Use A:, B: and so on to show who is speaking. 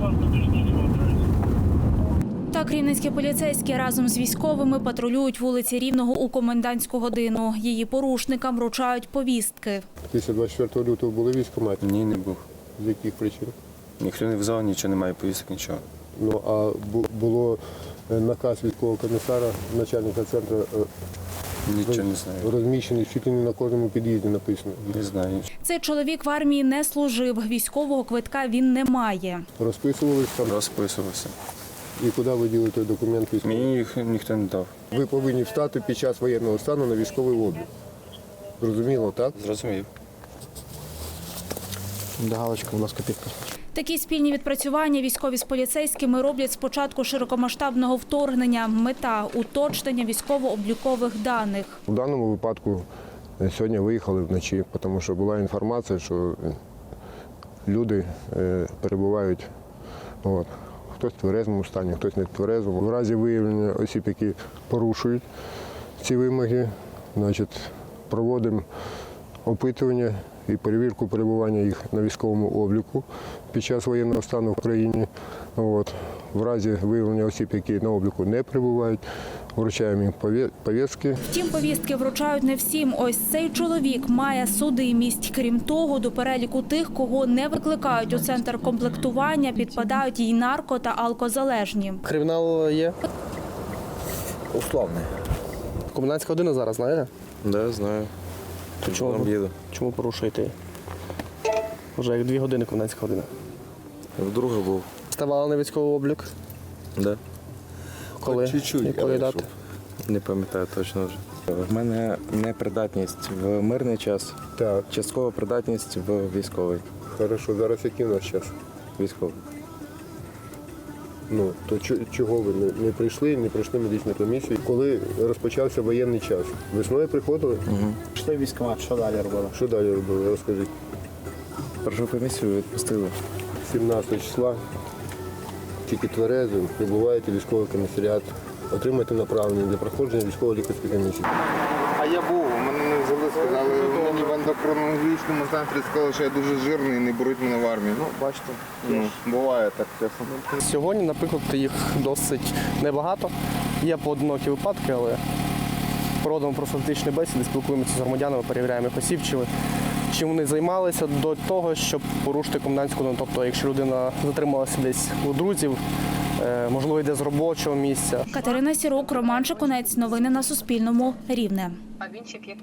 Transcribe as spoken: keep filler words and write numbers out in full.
A: Так, рівненські поліцейські разом з військовими патрулюють вулиці Рівного у комендантську годину. Її порушникам вручають повістки.
B: Після двадцять четвертого лютого були військкомати?
C: Ні, не був.
B: З яких причин?
C: Ніхто не взяв, нічого немає, повісток, нічого.
B: Ну, а бу- було е, наказ військового комісара, начальника центру, е,
C: Нічого не знаю.
B: розміщений чуть ли не на кожному під'їзді написано.
C: Не знаю.
A: Цей чоловік в армії не служив, військового квитка він не має.
B: Розписувались там,
C: Розписувався.
B: і куди ви діли той документ військовий?
C: Мені їх ніхто не дав.
B: Ви повинні встати під час воєнного стану на військовий облік. Зрозуміло, так?
C: Зрозумів.
D: До галочки, будь ласка, підпис.
A: Такі спільні відпрацювання військові з поліцейськими роблять з початку широкомасштабного вторгнення. Мета – уточнення військово-облікових даних.
B: У даному випадку е, сьогодні виїхали вночі, тому що була інформація, що е, люди е, перебувають, от, хтось в тверезому стані, хтось не в тверезому. В разі виявлення осіб, які порушують ці вимоги, значить, проводимо опитування і перевірку перебування їх на військовому обліку під час воєнного стану в країні. От. В разі виявлення осіб, які на обліку не перебувають, вручаємо їм повє- повістки.
A: Втім, повістки вручають не всім. Ось цей чоловік має судимість. Крім того, до переліку тих, кого не викликають у центр комплектування, підпадають і нарко- та алкозалежні.
D: Кримінал є?
E: Условний.
D: Комендантська година зараз, знаєте?
E: Да, знаю.
D: То чому,
E: Вам їду.
D: чому порушуєте? Вже як дві години комендантська година.
E: Вдруге був.
D: Ставали на військовий облік?
E: Да.
D: Коли?
E: Чуть-чуть,
D: Якої
E: але
D: дати?
E: щоб- Не пам'ятаю точно вже. В мене непридатність в мирний час,
B: Так,
E: часткова придатність в військовий.
B: хорошо. Зараз який у нас час?
E: Військовий.
B: Ну, то чо- чого ви не, не прийшли, не пройшли медичну комісію? Коли розпочався воєнний час? Весною приходили?
F: Пішли в військкомат, що далі робили?
B: Що далі робили? Розкажіть.
E: Першу комісію відпустили.
B: сімнадцятого числа, тільки тверезим, прибуваєте в військовий комісаріат, отримаєте направлення для проходження військово-лікарської комісії.
G: А я був, мене не взяли, сказали, мені в ендокринологічному центрі сказали, що я дуже жирний і не беруть мене в армію. Ну, бачите, ну, буває так чесно.
D: Сьогодні, наприклад, їх досить небагато. Є поодинокі випадки, але проводимо профілактичні бесіди, спілкуємося з громадянами, перевіряємо їх осіб, чи, чим вони займалися до того, щоб порушити комендантську годину. Тобто, якщо людина затрималася десь у друзів, е, можливо, йде з робочого місця.
A: Катерина Сірук, Роман Шикунець. Новини на Суспільному. Рівне.